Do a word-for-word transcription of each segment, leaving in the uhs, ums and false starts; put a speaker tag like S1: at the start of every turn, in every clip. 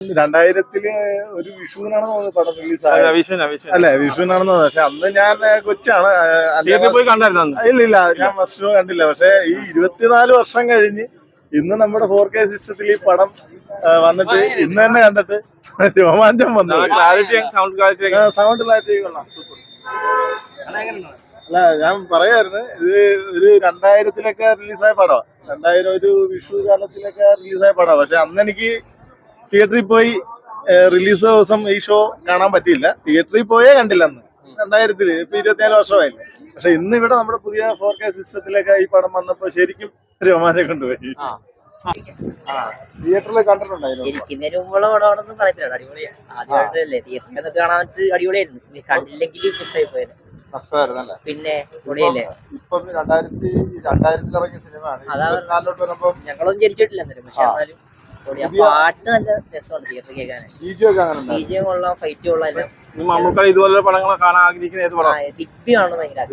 S1: രണ്ടായിരത്തില് ഒരു വിഷുവിനാണ് തോന്നുന്നത് പടം റിലീസ് ആയത് അല്ലെ, വിഷുവിനാണെന്ന് തോന്നുന്നത്. പക്ഷെ അന്ന് ഞാൻ കൊച്ചാണ്. ഇല്ല ഇല്ല ഞാൻ ഫസ്റ്റ് ഷോ കണ്ടില്ല. പക്ഷെ ഈ ഇരുപത്തിനാല് വർഷം കഴിഞ്ഞ് ഇന്ന് നമ്മുടെ ഫോർ കെ സിസ്റ്റത്തിൽ ഈ പടം വന്നിട്ട് ഇന്ന് തന്നെ കണ്ടിട്ട് രോമാഞ്ചം വന്നു. സൗണ്ട് ക്ലാരിറ്റി കൊള്ളാം, സൂപ്പർ. അല്ല ഞാൻ പറയായിരുന്നു, ഇത് ഒരു രണ്ടായിരത്തിലൊക്കെ റിലീസായ പടം, രണ്ടായിരം ഒരു വിഷു കാലത്തിലൊക്കെ റിലീസായ പടം. പക്ഷെ അന്ന് എനിക്ക് തിയേറ്ററിൽ പോയി റിലീസ് ദിവസം ഈ ഷോ കാണാൻ പറ്റിയില്ല. തിയേറ്ററിൽ പോയേ കണ്ടില്ല അന്ന്, രണ്ടായിരത്തില്. ഇപ്പൊ ഇരുപത്തിനാല് വർഷമായില്ലേ. പക്ഷെ ഇന്ന് ഇവിടെ നമ്മുടെ പുതിയ ഫോർ കെ സിസ്റ്റത്തിലൊക്കെ ഈ പടം വന്നപ്പോ ശരിക്കും രോമാഞ്ചം കൊണ്ടുപോയി. തിയേറ്ററിൽ കണ്ടിട്ടുണ്ടായിരുന്നു.
S2: ഇരിക്കുന്നതിന് മുമ്പുള്ള പടമാണെന്ന് പറയത്തില്ല, അടിപൊളിയാണ്. ആദ്യമായിട്ടല്ലേ തിയേറ്ററിൽ കാണാൻ അടിപൊളിയായിരുന്നു. കണ്ടില്ലെങ്കിൽ മിസ്സായി പോയത്. പിന്നെ പൊളിയല്ലേ.
S1: ഇപ്പം രണ്ടായിരത്തി രണ്ടായിരത്തിൽ ഇറങ്ങിയ സിനിമയാണ്.
S2: ഞങ്ങളൊന്നും ജനിച്ചിട്ടില്ല എന്നാലും, പക്ഷെ എന്നാലും പാട്ട് നല്ല രസമാണ് തിയേറ്ററിൽ കേൾക്കാൻ. ബിജിഎം കൊള്ളാം, ഫൈറ്റ് കൊള്ളാം എല്ലാം.
S3: ഇതുപോലെ പടങ്ങൾ കാണാൻ ആഗ്രഹിക്കുന്ന
S2: ബിഗ് ബി ആണ് ഭയങ്കര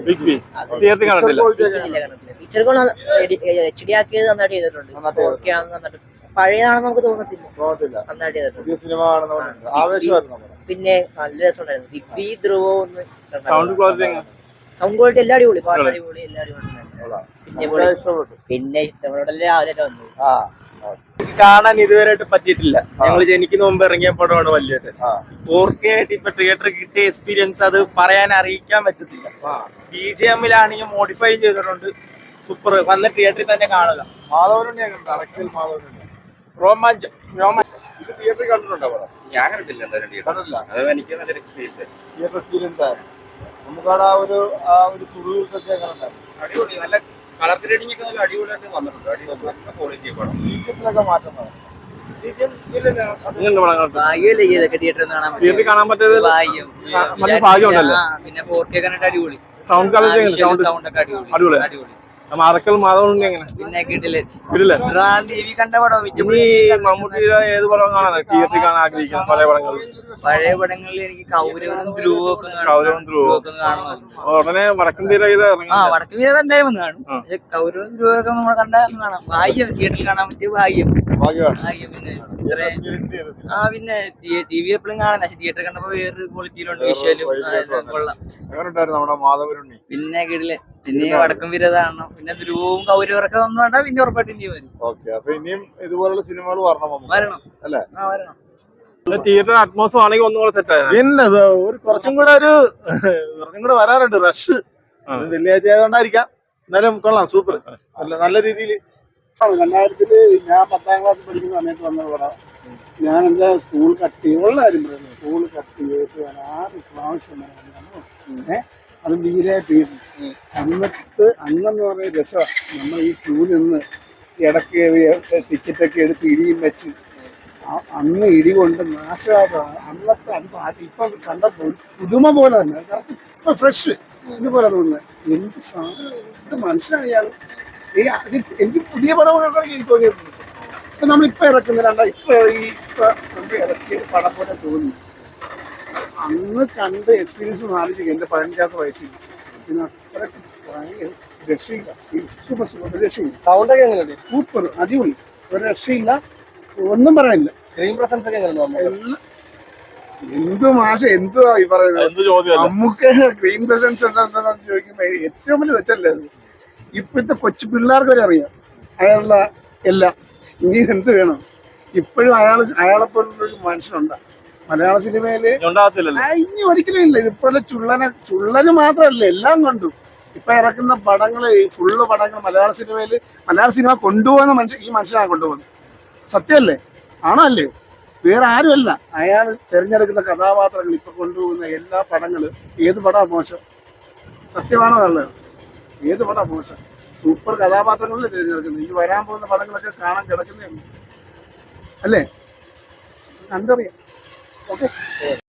S2: പിക്ചർ എച്ച് ഡി ആക്കിയത് നന്നായിട്ട് ചെയ്തിട്ടുണ്ട്. ഫോർ കെ ആണ് നന്നായിട്ട്, പഴയതാണെന്ന് നമുക്ക് തോന്നത്തില്ല, നന്നായിട്ട് ചെയ്തിട്ടുണ്ട്. പിന്നെ നല്ല രസമുണ്ടായിരുന്നു. ബിഗ് ബി ധ്രുവോ ഒന്ന് സൗണ്ട് ക്വാളിറ്റി സൗണ്ട് ക്വാളിറ്റി എല്ലാം അടിപൊളി, പാട്ട് അടിപൊളി, എല്ലാം അടിപൊളി. പിന്നെ പിന്നെ ഇഷ്ടപ്പെട്ടല്ലേ രാവിലെ വന്നത്.
S3: കാണാൻ ഇതുവരെയായിട്ട് പറ്റിയിട്ടില്ല. ഞങ്ങൾ ജനിക്കുന്ന മുമ്പ് ഇറങ്ങിയ പടമാണ് വലിയത്. ഫോർ കെ ആയിട്ട് ഇപ്പൊ തിയേറ്ററിൽ കിട്ടിയ എക്സ്പീരിയൻസ് അത് പറയാൻ അറിയിക്കാൻ പറ്റത്തില്ല. ബി ജി എമ്മിലാണെങ്കിൽ മോഡിഫൈ ചെയ്തിട്ടുണ്ട്, സൂപ്പർ. വന്ന് തിയേറ്ററിൽ തന്നെ കാണുക. രോമാഞ്ചം രോമാഞ്ചം
S1: ഇത് തിയേറ്ററിൽ കണ്ടിട്ടുണ്ടോ പടം?
S3: ഞാൻ കണ്ടിട്ടില്ല. എന്തായാലും എനിക്ക് നല്ലൊരു എക്സ്പീരിയൻസ്
S1: തിയേറ്റർ എക്സ്പീരിയൻസ് ആയിരുന്നു. നമുക്കവിടെ ആ ഒരു ആ ഒരു സുഖമൊക്കെ എങ്ങനെ ഉണ്ടായിരുന്നു?
S3: അടിപൊളി, നല്ല കളർ ഗ്രേഡിംഗ് ഒക്കെ നല്ല അടിപൊളിയായിട്ട് വന്നിട്ടുണ്ട്. അടിപൊളി ക്വാളിറ്റി പടം.
S1: ബീജത്തിലൊക്കെ മാറ്റം വന്നു.
S3: കാണാൻ പറ്റിയത്
S2: പിന്നെ ഫോർ കെ കണ്ടിട്ട് അടിപൊളി.
S3: സൗണ്ട് ക്വാളിറ്റി
S2: സൗണ്ട് ഒക്കെ അടിപൊളി അടിപൊളി.
S3: മറക്കൽ മാധവൻ എങ്ങനെ
S2: പിന്നെ കിട്ടില്ലേ
S3: കണ്ട പടം. ഇനി മമ്മൂട്ടിയുടെ ഏത് പടം കാണാൻ തിയേറ്ററിൽ കാണാൻ ആഗ്രഹിക്കുന്നു? പഴയ പടങ്ങൾ
S2: പഴയ പടങ്ങളിൽ എനിക്ക് കൗരവനും ധ്രുവൊക്കെ
S3: കൗരവനും ധ്രുവൊക്കെ
S2: കാണണം.
S3: ഉടനെ വടക്കൻ വീര ഇത്
S2: ആ വടക്കൻ വീര എന്തായാലും കാണും. പക്ഷെ കൗരവനും ധ്രുവൊക്കെ നമ്മൾ കണ്ടാൽ കാണാം. ഭാഗ്യം തിയേറ്ററിൽ കാണാൻ പറ്റിയ ഭാഗ്യം. ആ പിന്നെ ടി വി എപ്പോഴും കാണാം. പക്ഷെ തിയേറ്ററിൽ കണ്ടപ്പോ വേറൊരു ക്വാളിറ്റിയിലുണ്ട്, വിഷ്വലും കൊള്ളാം. പിന്നെ കിടില്. പിന്നെ വടക്കം വീര കാണണം. പിന്നെ ധ്രുവവും കൗരവരൊക്കെ വന്നു വേണ്ട, പിന്നെ ഉറപ്പായിട്ട് ഇനി വരും.
S1: ഇനിയും ഇതുപോലുള്ള സിനിമകൾ വരണം
S2: വരണം
S1: അല്ലേ?
S2: ആ വരണം.
S3: തിയേറ്റർ അറ്റ്മോസ്ഫിയർ ആണെങ്കിൽ ഒന്നും കൂടെ സെറ്റ് ആയിരുന്നു.
S1: പിന്നെ ഒരു കുറച്ചും കൂടെ ഒരു കുറച്ചും കൂടെ വരാറുണ്ട്. റഷ് വെള്ളിയാഴ്ച ആയതുകൊണ്ടായിരിക്കാം. എന്നാലും കൊള്ളാം, സൂപ്പർ. നല്ല നല്ല രീതിയിൽ. രണ്ടായിരത്തില് ഞാൻ പത്താം ക്ലാസ് പഠിക്കുന്ന സമയത്ത് വന്ന പടം. ഞാൻ എന്താ സ്കൂൾ കട്ട് ചെയ്ത് ഉള്ള കാര്യം പറയുന്നത്. സ്കൂൾ കട്ട് ചെയ്തിട്ട് ആറ് പ്രാവശ്യം ഏഹ് അത് വീരായിട്ട് അന്നത്തെ അന്നെന്ന് പറയുന്ന രസമാണ്. നമ്മൾ ഈ ക്യൂ നിന്ന് ഇടയ്ക്ക് ടിക്കറ്റൊക്കെ എടുത്ത് ഇടിയും വെച്ച് അന്ന് ഇടി കൊണ്ട് നാശമായിട്ടാണ് അന്നത്തെ അത് പാട്ട്. ഇപ്പം കണ്ടപ്പോൾ പുതുമ പോലെ തന്നെ കറക്റ്റ് ഇപ്പം ഫ്രഷ് ഇതുപോലെ തോന്നുന്നത്. എന്ത് സാധനം, എന്ത് മനുഷ്യനാണ് ഇയാൾ. ഈ അത് എനിക്ക് പുതിയ പടമൊക്കെ എനിക്ക് തോന്നിയിട്ടുണ്ട്. ഇപ്പം നമ്മളിപ്പോൾ ഇറക്കുന്ന രണ്ടാ ഇപ്പം ഈ ഇപ്പം നമുക്ക് ഇറക്കിയ പടം പോലെ തോന്നി. അന്ന് കണ്ട് എക്സ്പീരിയൻസ് ആലോചിക്കും. എൻ്റെ പതിനഞ്ചാമത്തെ വയസ്സിൽ പിന്നെ അത്രയ്ക്ക് ഭയങ്കര രക്ഷയില്ല. സൂപ്പർ സൂപ്പർ രക്ഷയില്ല.
S3: സൗണ്ടൊക്കെ എങ്ങനെയുണ്ട്?
S1: സൂപ്പർ അടിപൊളി, ഒരു രക്ഷയില്ല, ഒന്നും പറയാനില്ല.
S3: സ്ക്രീൻ പ്രസൻസ് ഒക്കെ
S1: എന്ത് മാഷ എന്തുവാ ഈ പറയുന്നത്? നമുക്ക് സ്ക്രീൻ പ്രസൻസ് എന്താണെന്ന് ചോദിക്കുമ്പോ ഏറ്റവും വലിയ തെറ്റല്ലേ അത്. ഇപ്പോഴത്തെ കൊച്ചു പിള്ളേർക്ക് വരെ അറിയാം അയാളുടെ എല്ലാം. ഇനി എന്ത് വേണം? ഇപ്പോഴും അയാൾ അയാളെപ്പോലൊരു മനുഷ്യനുണ്ട് മലയാള സിനിമയില്. ഇനി ഒരിക്കലും ഇല്ല. ഇതുപോലെ ചുള്ളനെ ചുള്ളന് മാത്രമല്ല എല്ലാം കൊണ്ടും ഇപ്പൊ ഇറക്കുന്ന പടങ്ങള് ഫുള്ള് പടങ്ങൾ മലയാള സിനിമയില് മലയാള സിനിമ കൊണ്ടുപോകുന്ന മനുഷ്യൻ ഈ മനുഷ്യനാണ് കൊണ്ടുപോകുന്നത്. സത്യമല്ലേ? ആണോ അല്ലേ? വേറെ ആരുമല്ല. അയാൾ തിരഞ്ഞെടുക്കുന്ന കഥാപാത്രങ്ങൾ ഇപ്പൊ കൊണ്ടുപോകുന്ന എല്ലാ പടങ്ങളും ഏത് പടമാണ് മോശം? സത്യമാണോ നല്ലത്? ഏത് പടമാണ് മോശം? സൂപ്പർ കഥാപാത്രങ്ങളിൽ തിരഞ്ഞെടുക്കുന്നത്. ഈ വരാൻ പോകുന്ന പടങ്ങളൊക്കെ കാണാൻ കിടക്കുന്നേ അല്ലേ? കണ്ടറിയാം. ഓക്കെ.